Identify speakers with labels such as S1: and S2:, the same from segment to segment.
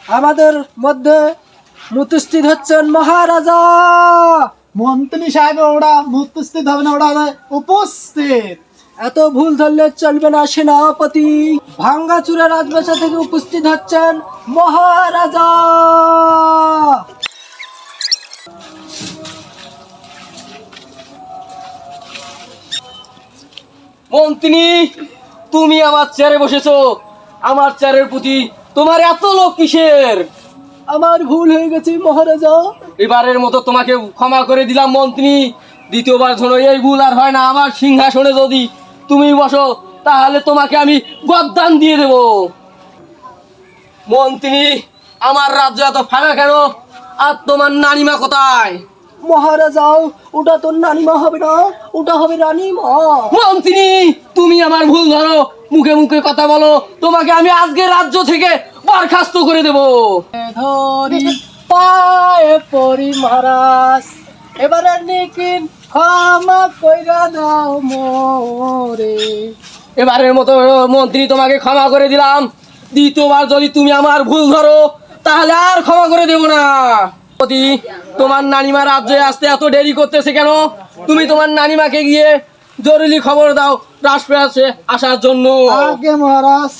S1: আমাদের মধ্যে উপস্থিত হচ্ছেন মহারাজা।
S2: মন্ত্রী সাহেব ওরা উপস্থিত হবে না, ওরা উপস্থিত।
S1: এত ভুল ধরলে চলবে না সেনাপতি। ভাঙ্গাচুরা রাজবাসা থেকে উপস্থিত হচ্ছেন মহারাজা।
S3: মন্ত্রী, তুমি আমার চেয়ারে বসেছো, আমার চেয়ারের প্রতি তোমার এত লোভ কিসের?
S1: আমার ভুল হয়ে গেছে মহারাজা।
S3: এবারের মতো তোমাকে ক্ষমা করে দিলাম মন্ত্রী। দ্বিতীয়বার ধরো এই ভুল আর হয় না। আমার সিংহাসনে যদি তুমি বসো তাহলে তোমাকে আমি গদ্দান দিয়ে দেব। মন্ত্রী, আমার রাজ্য এত ফাঁকা কেন? আর তোমার নানিমা কোথায়?
S1: মহারাজা, ওটা তোর নানিমা হবে না, ওটা হবে রানীমা।
S3: মন্ত্রী, তুমি আমার ভুল ধরো, মুখে মুখে কথা বলো, তোমাকে আমি আজকে রাজ্য থেকে বরখাস্ত করে দেব।
S1: ধরি পায়ে পড়ি মহারাজ, এবারে নিকিন ক্ষমা কইরা দাও মোরে।
S3: এবারের মতো মন্ত্রী তোমাকে ক্ষমা করে দিলাম। দ্বিতীয়বার যদি তুমি আমার ভুল ধরো তাহলে আর ক্ষমা করে দেব না। পতি, তোমার নানিমা রাজ্যে আসতে এত দেরি করতেছে কেন? তুমি তোমার নানিমাকে গিয়ে জরুরি খবর দাও রাজপ্রাসাদে আসার জন্য।
S2: আগে মহারাজ।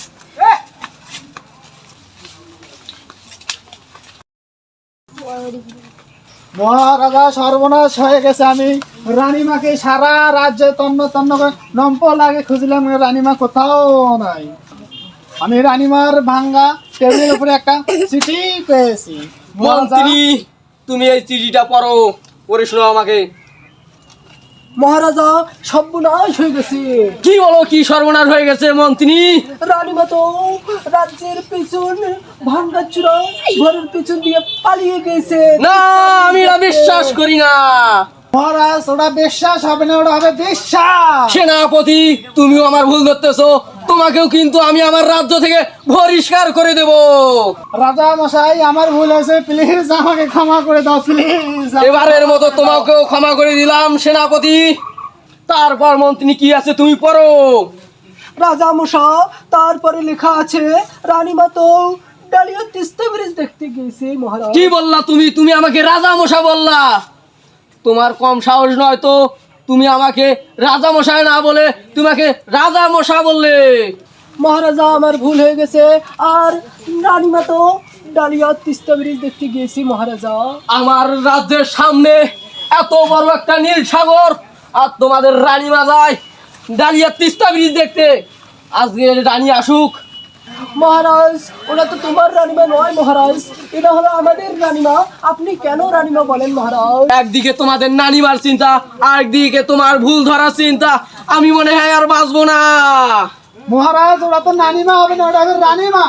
S2: মহারাজা, সর্বনাশ হয়ে গেছে। আমি রানীমাকে সারা রাজ্যে তন্ন তন্ন করে নম্প লাগে খুঁজলাম, রানীমা কোথাও নাই। আমি রানীমার ভাঙ্গা টেবিলের উপরে একটা চিঠি পেয়েছি।
S3: মন্ত্রী, তুমি এই চিঠিটা পড়ো, পড়ে শোনো আমাকে।
S1: মহারাজা, সর্বনাশ হয়ে গেছে।
S3: কি বলো, কি সর্বনাশ হয়ে গেছে মন্ত্রী?
S1: রানীমা তো রাজ্যের পিছন ভাঙ্গাচুরা ঘরের পিছন দিয়ে পালিয়ে গেছে।
S3: না, আমি এটা বিশ্বাস করি না।
S2: মহারাজ, ওটা বিশ্বাস হবে না, ওটা হবে বিশ্বাস।
S3: সেনাপতি, তুমিও আমার ভুল ধরতেছো। তোমাকেও কিন্তু আমি আমার রাজ্য থেকে বহিষ্কার করে দেব।
S2: রাজা মশাই, আমার ভুল হয়েছে, প্লিজ আমাকে ক্ষমা করে দাও, প্লিজ।
S3: এবারের মতো তোমাকেও ক্ষমা করে দিলাম সেনাপতি। তারপর মন্ত্রী কি আছে তুমি পড়ো।
S1: রাজা মশা, তারপরে লেখা আছে রানীমা তো ডালিয়া তিস্তা ব্রিজ দেখতে গেছে মহারাজ।
S3: কি বললা তুমি? তুমি আমাকে রাজা মশা বললা? তোমার কম সাহস নয় তো, তুমি আমাকে রাজা মশাই না বলে তোমাকে রাজা মশা বললে।
S1: মহারাজা, আমার ভুল হয়ে গেছে। আর রানীমা তো ডালিয়া তিস্তা ব্রিজ দেখতে গেছি মহারাজা।
S3: আমার রাজ্যের সামনে এত বড় একটা নীল সাগর, আর তোমাদের রানীমা যায় ডালিয়া তিস্তা ব্রিজ দেখতে। আজকে রানী আসুক।
S1: মহারাজ, ওটা তো তোমার রানীমা নয় মহারাজ, এটা হলো আমাদের রানীমা। আপনি কেন রানীমা বলেন মহারাজ?
S3: একদিকে তোমাদের নানিমার চিন্তা, আরেকদিকে তোমার ভুল ধরার চিন্তা। আমি মনে হয় আর বাঁচবো না।
S2: মহারাজ, ওরা তো নানিমা হবে না, ওটা হবে রানীমা।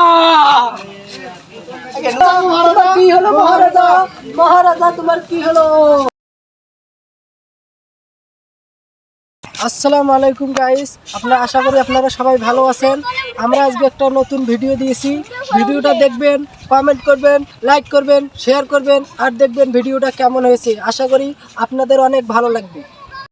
S1: তোমার কি হলো মহারাজা? মহারাজা, তোমার কি হলো? আসসালামু আলাইকুম গাইস, আপনারা আশা করি আপনারা সবাই ভালো আছেন। আমরা আজকে একটা নতুন ভিডিও দিয়েছি। ভিডিওটা দেখবেন, কমেন্ট করবেন, লাইক করবেন, শেয়ার করবেন, আর দেখবেন ভিডিওটা কেমন হয়েছে। আশা করি আপনাদের অনেক ভালো লাগবে।